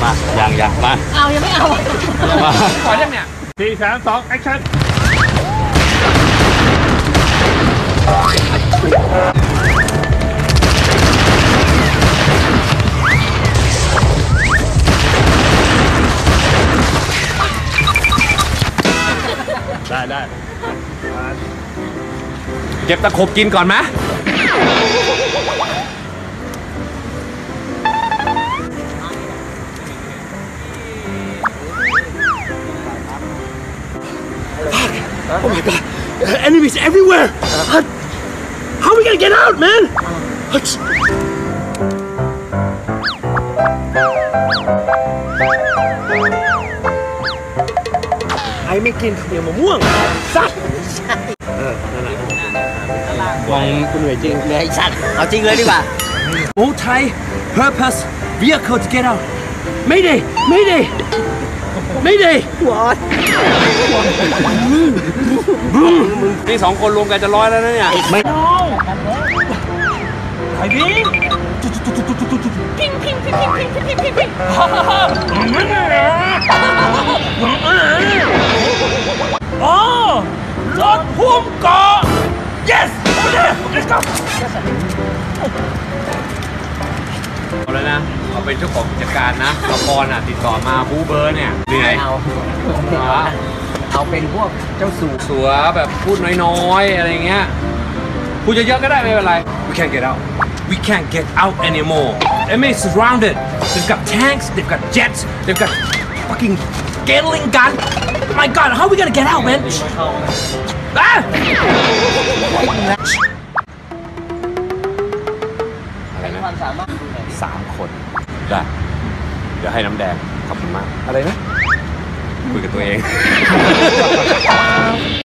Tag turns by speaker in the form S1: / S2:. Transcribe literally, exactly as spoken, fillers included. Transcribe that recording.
S1: มายังยังมา
S2: เอายังไม่เอา
S1: มา
S3: ขอยังเนี่ยสี่สามสองแอคชั่นได้ได้เก็บตะขบกินก่อนไหม
S4: Oh my god, enemies everywhere! How are we gonna get out, man? ใครไม่กินข้าวเหนียวมะม่วงสัตว์เออนั่นแหละมองคุณเหนื่อยจริงเหนื่อยสัตว์เอาจริงเลยดีกว่า Multi purpose vehicle to get out ไม่ได้ไม่ได้ไม่ได้หัว
S3: นี่สองคนรวมกันจะร้อยแล้วนะเนี่ย
S4: ไม่ไอ้พี่
S2: พิงพิงพิงพิงพิงพิงพิงพิง
S4: อ๋อรถพุ่มเกาะ yes let's go
S3: เอาเลยนะเอาเป็นเจ้าของกิจการนะละครอ่ะติดต่อมาบูเบอร์เนี่ยเหนื่อย
S5: เอาเอาเป็นพวกเจ้าสู่
S3: สัวแบบพูดน้อยๆอะไรเงี้ยพูดเยอะๆก็ได้ไม่เป็นไร we can't get out we can't get out anymore M A is surrounded they've got tanks they've got jets they've got fucking Gatling gun my god how are we gonna get out man อ่ะอะไรนะสามคนได้เดี๋ยวให้น้ำแดงขอบคุณมากอะไรนะคุยกับตัวเอง